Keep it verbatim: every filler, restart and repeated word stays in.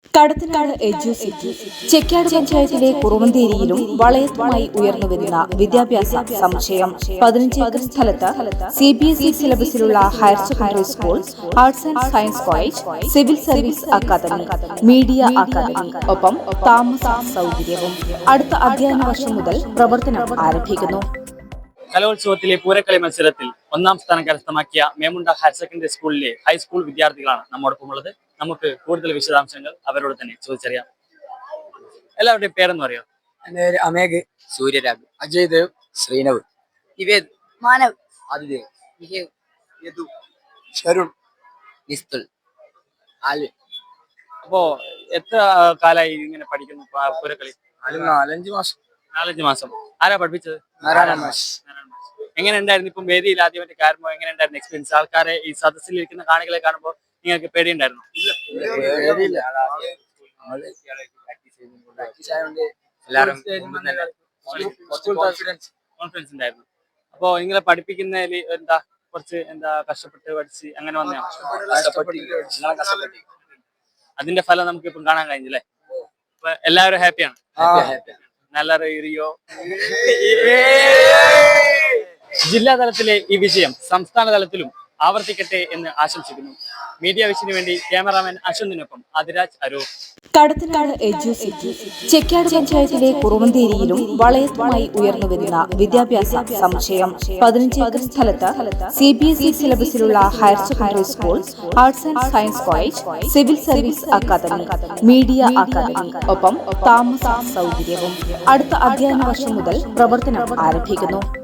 Kadathanad Educity Chekkad പഞ്ചായത്തിലെ കുറുവന്തേരിയിലും വളയത്തുമായി ഉയർന്നുവരുന്ന വിദ്യാഭ്യാസ സമുച്ചയം പതിനഞ്ച് ഏക്കർ സ്ഥലത്ത് സി ബി എസ് ഇ സിലബസിലുള്ള higher secondary school, arts and science college, civil service academy, media academy, ഒപ്പം താമസ സൗകര്യവും അടുത്ത അധ്യയന വർഷം മുതൽ പ്രവർത്തനം ആരംഭിക്കുന്നു. കലോത്സവത്തിലെ പൂരക്കളി മത്സരത്തിൽ ഒന്നാം സ്ഥാനം കരസ്ഥമാക്കിയ മേമുണ്ട ഹയർ സെക്കൻഡറി സ്കൂളിലെ ഹൈസ്കൂൾ വിദ്യാർത്ഥികളാണ് നമ്മോടൊപ്പം ഉള്ളത്. നമുക്ക് കൂടുതൽ വിശദാംശങ്ങൾ അവരോട് തന്നെ ചോദിച്ചറിയാം. എല്ലാവരുടെയും പേരെന്ന് പറയാം. എൻ്റെ പേര് അമേഘ്, സൂര്യരാഗ്, അജയ് ദേവ്, ശ്രീനവ്, നിവേദ്, മാനവ്, ആദിദേവ്, വിജയ്, യദു, ഷരുൺ, നിസ്തുൽ, ആൽവിൻ. അപ്പോ എത്ര കാലായി ഇങ്ങനെ പഠിക്കുന്നു പ- പൂരക്കളി? നാലഞ്ച് മാസം. നാലഞ്ച് മാസം. ആരാ പഠിപ്പിച്ചത്? നാരായണ മാഷ്. എങ്ങനെ ഉണ്ടായിരുന്നു ഇപ്പം വേദിയിൽ ആദ്യമായിട്ട് കയറുമ്പോൾ എങ്ങനെ ഉണ്ടായിരുന്നു എക്സ്പീരിയൻസ്? ആൾക്കാരെ ഈ സദസ്സിൽ ഇരിക്കുന്ന കാണികളെ കാണുമ്പോൾ നിങ്ങൾക്ക് പേടിയുണ്ടായിരുന്നു? പേടിയില്ല. എല്ലാവരും കോൺഫിഡൻസ് ഉണ്ടായിരുന്നു. അപ്പോ നിങ്ങളെ പഠിപ്പിക്കുന്നതിൽ എന്താ കുറച്ച് എന്താ കഷ്ടപ്പെട്ട് പഠിച്ച് അങ്ങനെ വന്നോ? അതിന്റെ ഫലം നമുക്ക് ഇപ്പം കാണാൻ കഴിഞ്ഞില്ലേ? അപ്പൊ എല്ലാവരും ഹാപ്പിയാണ്. നല്ല റിയോ ജില്ലാ തലത്തിലെ ഈ വിജയം സംസ്ഥാന തലത്തിലും ആവർത്തിക്കട്ടെ എന്ന് ആശംസിക്കുന്നു. മീഡിയ വിഷന് വേണ്ടി ക്യാമറാമാൻ അശ്വന്തിനൊപ്പം അതിരാജ് അരൂർ. കടത്തനാട് എഡ്യൂസിറ്റി ചെക്കാട് പഞ്ചായത്തിലെ കുറുവന്തേരിയിലും വളയത്തുമായി ഉയർന്നുവരുന്ന വിദ്യാഭ്യാസ സമുച്ചയം പതിനഞ്ച് ഏക്കർ സ്ഥലത്ത് സി ബി എസ് ഇ സിലബസിലുള്ള higher secondary school, arts and science college, civil service academy, media academy, ഒപ്പം താമസ സൗകര്യവും അടുത്ത അധ്യയന വർഷം മുതൽ പ്രവർത്തനം ആരംഭിക്കുന്നു.